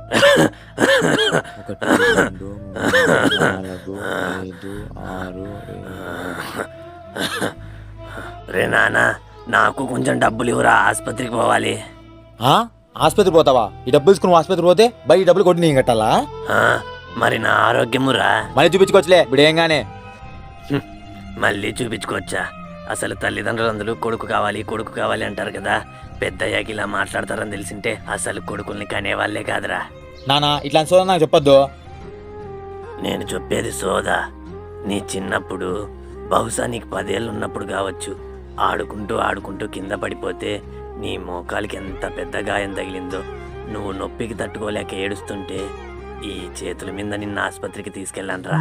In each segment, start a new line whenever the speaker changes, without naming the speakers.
1 2 3 4 5 6 7
రే నాన్న, నాకు కొంచెం డబ్బులు ఇవ్వరా, ఆసుపత్రికి పోవాలి.
ఆసుపత్రి పోతావా? ఈ డబ్బులు తీసుకుని ఆసుపత్రి పోతే బయట డబ్బులు కొట్టి నేను కట్టాలా?
ఆ, మరి నా ఆరోగ్యమురా?
మళ్ళీ చూపించుకోవచ్చులే బిడేయంగానే.
మళ్ళీ చూపించుకోవచ్చా? అసలు తల్లిదండ్రులందరూ కొడుకు కావాలి అంటారు కదా. పెద్దయ్యాకి ఇలా మాట్లాడతారని తెలిసింటే అసలు కొడుకుల్ని కనేవాళ్లే కాదురా.
నానా ఇట్లాంటి సోదా నాకు చెప్పొద్దు.
నేను చెప్పేది సోదా. నీ చిన్నప్పుడు, బహుశా నీకు 10 ఏళ్ళు ఉన్నప్పుడు కావచ్చు, ఆడుకుంటూ కింద పడిపోతే నీ మోకాలికి ఎంత పెద్ద గాయం తగిలిందో. నువ్వు నొప్పికి తట్టుకోలేక ఏడుస్తుంటే ఈ చేతుల మీద నిన్న ఆసుపత్రికి తీసుకెళ్ళానురా.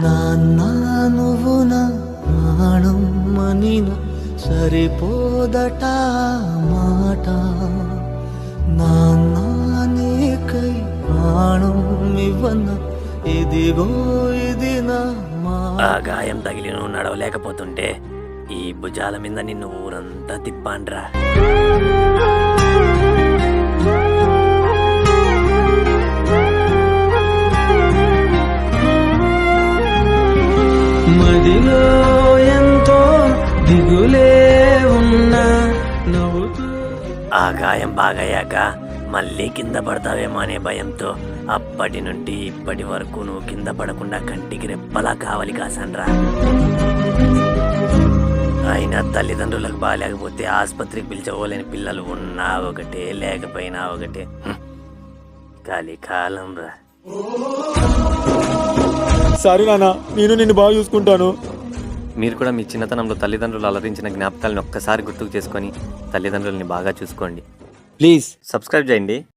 సరిపోదట మాట, నాన్నకై ప్రాణం ఇవ్వన, ఇదిగో ఇది నా
ఆ గాయం తగిలి నువ్వు నడవలేకపోతుంటే ఈ భుజాల మీద నిన్ను ఊరంతా తిప్పాన్రా.
మదిలో ఎంతో దిగులే ఉన్నా నవ్వుతూ.
ఆ గాయం బాగయ్యాక మళ్ళీ కింద పడతావేమో అనే భయంతో అప్పటి నుండి ఇప్పటి వరకు నువ్వు కింద పడకుండా కంటికి రెప్పలా కావాలి కాసాన్రా. అయినా తల్లిదండ్రులకు బాగాలేకపోతే ఆసుపత్రికి పిలిచవలేని పిల్లలు ఉన్నా ఒకటే, లేకపోయినా ఒకటే. కలికాలం రా.
సరే నాన్న, నేను నిన్ను బాగా చూసుకుంటాను.
మీరు కూడా మీ చిన్నతనంలో తల్లిదండ్రులు అలరించిన జ్ఞాపకాలను ఒక్కసారి గుర్తుకు చేసుకొని తల్లిదండ్రులని బాగా చూసుకోండి.
ప్లీజ్
సబ్స్క్రైబ్ చేయండి.